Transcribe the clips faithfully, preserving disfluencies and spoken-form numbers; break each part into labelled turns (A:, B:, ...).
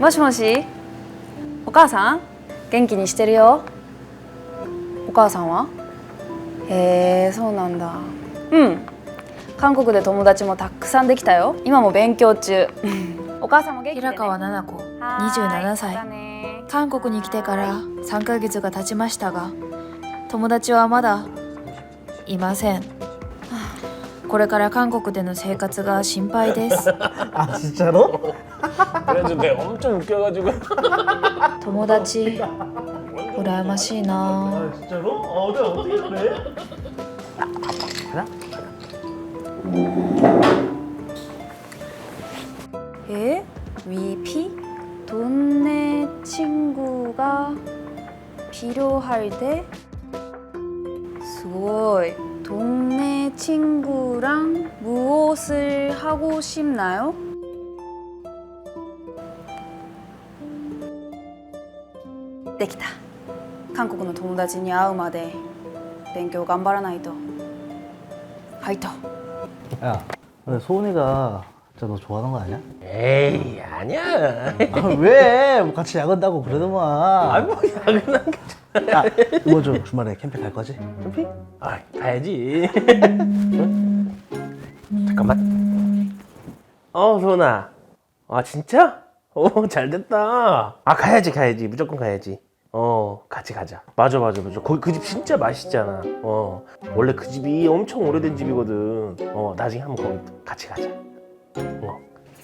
A: もしもし、お母さん元気にしてるよ。お母さんは？へえ、そうなんだ。うん、韓国で友達もたくさんできたよ。今も勉強中。お母さんも元気でね。
B: 平川奈々子、にじゅうななさい。韓国に来てからさんかげつが経ちましたが、友達はまだいません。これから韓国での生活が心配です。
C: 아 진짜로?
D: 그래가지고 내가 엄청 웃겨가지고.
B: 友達羨ましいな。
C: 아 진짜로? 어, 내가 어떻게 그래? 하나?
A: 에? 위피? 동네 친구가 필요할 때? すごい. 동네 친구랑 무엇을 하고 싶나요? 됐다. 한국의 友達に会うまで勉強頑張らないと. 화이팅.
C: 야, 근데 소은이가 진짜 너 좋아하는 거 아니야?
D: 에이 아니야.
C: 아, 왜? 뭐 같이 야근다고 그러더만.
D: 아니 뭐 야근한 게.
C: 야, 이번 주 주말에 캠핑 갈 거지?
D: 캠핑? 아 가야지. 잠깐만. 어 소은아. 아 진짜? 오 잘됐다. 아 가야지 가야지 무조건 가야지. 어 같이 가자. 맞아 맞아 맞아. 거기 그 집 진짜 맛있잖아. 어 원래 그 집이 엄청 오래된 집이거든. 어 나중에 한번 거기 같이 가자. 어.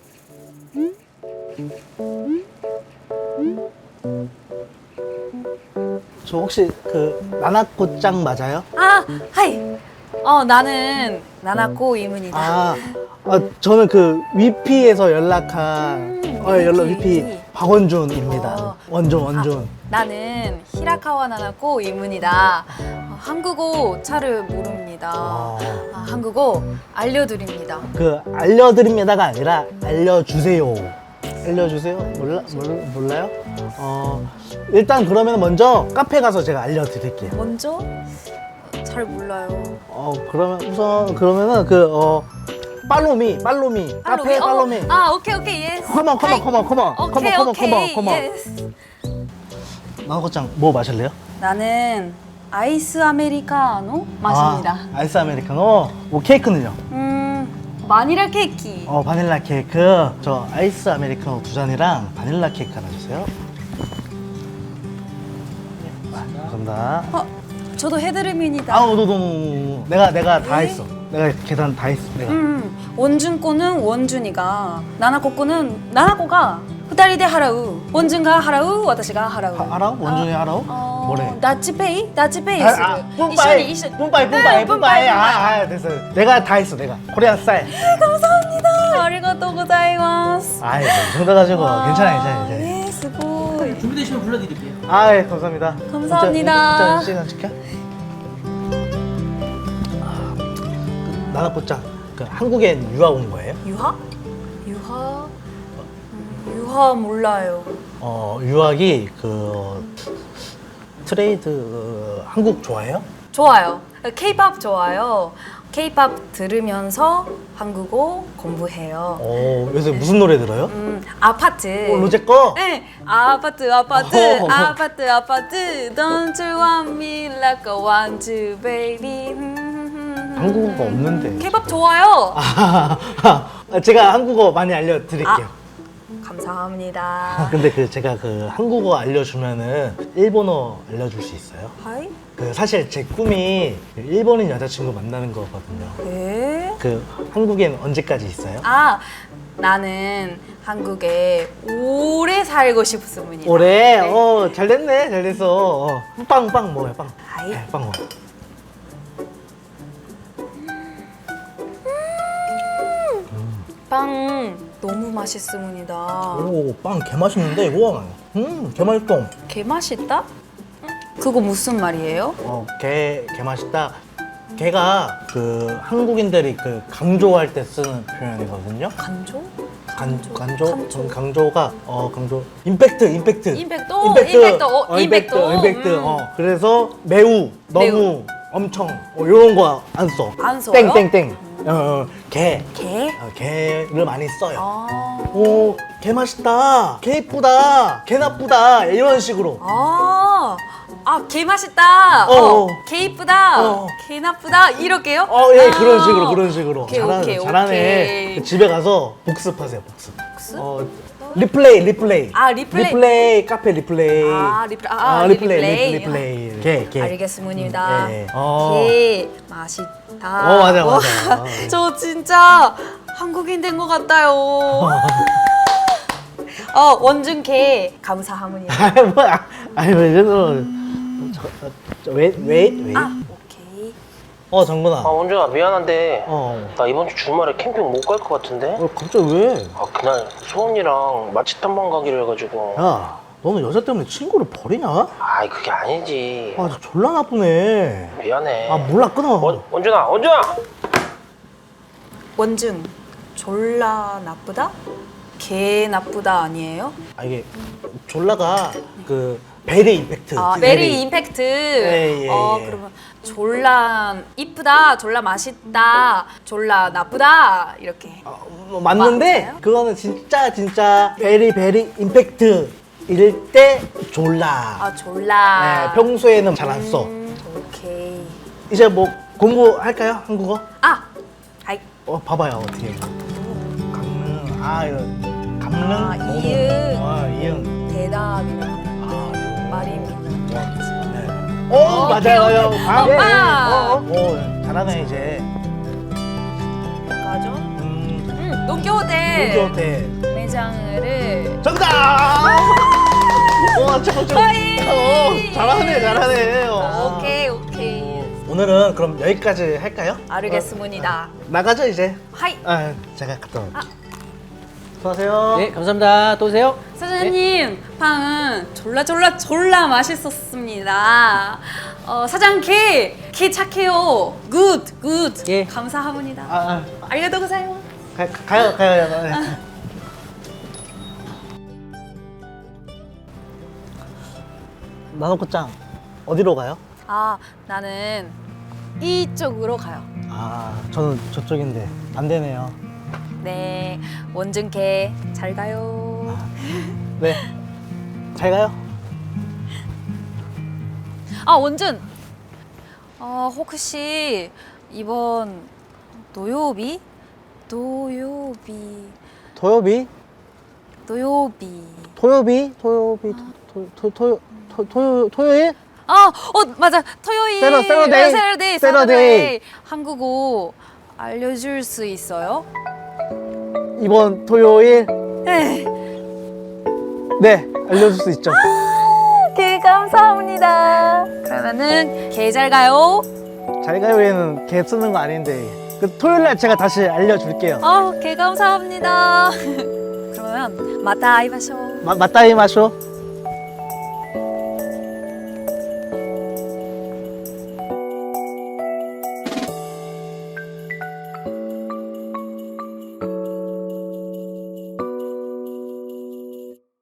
C: 저 혹시 그 나나코짱 맞아요?
A: 아, 하이. 어, 나는 나나코 이문이다.
C: 아, 아 저는 그 위피에서 연락한 어, 연락 위피 박원준입니다.
A: 어.
C: 원준 원준.
A: 나는 히라카와 나나코 이문이다. 어, 한국어 잘을 모릅니다.
C: 어.
A: 아, 한국어 알려드립니다.
C: 그 알려드립니다가 아니라 알려주세요. 알려주세요? 몰라 몰, 몰라요? 어 일단 그러면 먼저 카페 가서 제가 알려드릴게요.
A: 먼저? 잘 몰라요.
C: 어 그러면 우선 그러면은 그어 팔로미 팔로미 카페
A: 어,
C: 팔로미.
A: 아, 오케이, 오케이, 예스.
C: 컴온 컴온 컴온 컴온
A: 오케이,
C: 컴온
A: 오케이,
C: 컴온 컴온.
A: 예스.
C: 나나코짱 뭐 마실래요?
A: 나는 아이스 아메리카노 마십니다.
C: 아, 아이스 아메리카노. 뭐 케이크는요?
A: 음, 바닐라 케이크.
C: 어 바닐라 케이크. 저 아이스 아메리카노 두 잔이랑 바닐라 케이크 하나 주세요. 네, 감사합니다.
A: 어, 저도 해드립니다.
C: 아우 너너 내가 내가 다
A: 네?
C: 했어. 내가 계산 다 했어. 내가.
A: 음, 원준 거는 원준이가, 나나코 거는 나나코가 후다리대 하라우, 원준가 하라우, 와타시가 하라우.
C: 하- 하라우? 원준이 하라우?
A: 어,
C: 뭐래?
A: 나치페이? 나치페이
C: 아,
A: 쓰
C: 아, 뿜빠이,
A: 이緒に
C: 뿜빠이, 뿜빠이, 뿜빠이. 아, 아, 됐어. 내가 다 했어, 내가. 코리안 스타일.
A: 감사합니다. 아리가또 고자이마스.
C: 아이, 뭐, 정도가지고 괜찮아, 괜찮아, 괜찮아.
A: 예, 스고이.
E: 준비되시면 불러드릴게요.
C: 아, 예, 감사합니다.
A: 감사합니다.
C: 진짜, 진짜 시간 지켜. 아, 그, 나나포짱, 그 한국엔 유학 온 거예요?
A: 유하? 유하? 음, 유하 몰라요.
C: 어, 유학이 그 트레이드 어, 한국 좋아해요?
A: 좋아요. K-팝 좋아요. K-팝 들으면서 한국어 공부해요.
C: 어, 요새 무슨 노래 들어요?
A: 음, 아파트.
C: 어, 로제 거?
A: 네, 아파트, 아파트,
C: 어허.
A: 아파트, 아파트. Don't you want me like I want you, baby.
C: 한국어가 없는데.
A: K-팝 좋아요.
C: 아, 제가 한국어 많이 알려드릴게요.
A: 감사합니다.
C: 근데 그 제가 그 한국어 알려주면은 일본어 알려줄 수 있어요?
A: 하이?
C: 그 사실 제 꿈이 그 일본인 여자친구 만나는 거거든요.
A: 네?
C: 그 한국엔 언제까지 있어요?
A: 아, 나는 한국에 오래 살고 싶습니다.
C: 올해?
A: 네.
C: 어, 잘 됐네, 잘 됐어. 어. 빵, 빵 먹어요, 빵.
A: 하이.
C: 네, 빵 먹어.
A: 빵 너무 맛있습니다.
C: 오, 빵 개 맛있는데, 이거. 음, 개 맛있어.
A: 개 맛있다? 그거 무슨 말이에요?
C: 어, 개, 개 맛있다. 개가 그 한국인들이 그 강조할 때 쓰는 표현이거든요.
A: 간조?
C: 간,
A: 강조?
C: 강조?
A: 강조.
C: 음, 강조가 어 강조 임팩트 임팩트
A: 임팩트, 오, 임팩트, 어, 임팩트,
C: 임팩트
A: 음.
C: 어 그래서 매우 너무
A: 매우.
C: 엄청 어, 이런 거 안 써.
A: 안 써요?
C: 땡땡땡 어, 어, 게.
A: 개?
C: 어, 게를 많이 써요.
A: 아,
C: 오, 개 맛있다. 개 이쁘다. 개 나쁘다. 이런 식으로.
A: 아, 아, 개 맛있다.
C: 어,
A: 어,
C: 어.
A: 개 이쁘다.
C: 어.
A: 개 나쁘다. 이렇게요?
C: 어, 예,
A: 아.
C: 그런 식으로, 그런 식으로.
A: 오케이,
C: 잘하,
A: 오케이,
C: 잘하네.
A: 오케이.
C: 집에 가서 복습하세요, 복습.
A: 복습?
C: 어, 리플레이, 리플레이.
A: 아, 리플레이.
C: 리플레이, 카페 리플레이.
A: 아, 리플- 아,
C: 아,
A: 아,
C: 리플레이,
A: 리플레이.
C: 리플레이. 개, 개.
A: 알겠습니다.
C: 네. 어.
A: 개 맛있다.
C: 어, 맞아,
A: 와,
C: 맞아.
A: 저 진짜 한국인 된 것 같아요. 어, 원준 개 감사합니다.
C: 아, 뭐야. 아니, 왜 이래서. 저, 저, 웨이, 웨이, 웨이.
A: 아, 오케이.
C: 어, 정근아.
D: 아 원준아 미안한데
C: 어.
D: 나 이번 주 주말에 캠핑 못 갈 것 같은데?
C: 어, 갑자기 왜?
D: 아 그날 소원이랑 맛집 탐방 가기로 해가지고
C: 야, 너는 여자 때문에 친구를 버리냐?
D: 아이 그게 아니지.
C: 아, 저 졸라 나쁘네.
D: 미안해.
C: 아, 몰라, 끊어.
D: 원, 원준아 원준아!
A: 원준 졸라 나쁘다? 개 나쁘다 아니에요?
C: 아, 이게 졸라가 그 베리 임팩트.
A: 아,
C: 그
A: 메리 임팩트.
C: 예, 예,
A: 어,
C: 예.
A: 그러면 졸라 이쁘다, 졸라 맛있다, 졸라 나쁘다 이렇게.
C: 어, 뭐 맞는데
A: 맞아요?
C: 그거는 진짜 진짜 베리 베리 임팩트 일 때 졸라.
A: 아, 졸라.
C: 네, 평소에는 잘 안 써.
A: 음, 오케이.
C: 이제 뭐 공부할까요? 한국어?
A: 아, 하이.
C: 어, 봐봐요 어떻게. 강릉. 아, 이거 강릉.
A: 아,
C: 뭐뭐.
A: 이응.
C: 아, 이응.
A: 대답이라는
C: 아,
A: 말입니다.
C: 네. 오,
A: 오케이,
C: 맞아요.
A: 오케이.
C: 아, 예, 예.
A: 오빠.
C: 어, 어. 오, 잘하네 이제.
A: 가죠?
C: 음,
A: 음, 도쿄대
C: 도쿄대.
A: 매장을
C: 정답! 와, 저거 좀. 어, 잘하네, 잘하네. 어.
A: 아, 오케이, 오케이.
C: 오늘은 그럼 여기까지 할까요?
A: 알겠습니다.
C: 나가죠 이제.
A: 하이.
C: 아, 제가 갔다 올게요. 수고하세요.
E: 네, 감사합니다. 또 오세요.
A: 사장님, 빵은 졸라 졸라 졸라 맛있었습니다. 어, 사장 개, 개 착해요. 굿, 굿.
E: 예.
A: 감사합니다.
C: 아,
A: 알려도 고사요.
C: 아, 가, 가요, 가요. 가요. 나노코짱 어디로 가요?
A: 아, 나는 이쪽으로 가요.
C: 아, 저는 저쪽인데 안 되네요.
A: 네, 원준 개 잘 가요.
C: 네, 잘 가요.
A: 아, 원준. 어, 혹시 이번 노요비? 노요비.
C: 도요비,
A: 노요비.
C: 토요비, 토요비, 토, 토, 토, 토, 토, 토요일?
A: 아, 어, 맞아. 토요일.
C: 세러- 세러데이.
A: 세러데이.
C: 세러데이.
A: 세러데이. 한국어 알려줄 수 있어요?
C: 이번 토요일?
A: 네.
C: 네, 알려줄 수 있죠.
A: 개 감사합니다. 그러면은 개 잘 가요.
C: 잘 가요에는 개 쓰는 거 아닌데 그 토요일 날 제가 다시 알려줄게요.
A: 아, 개 감사합니다. 그러면 마타 아이마쇼.
C: 마, 맞다이 마쇼.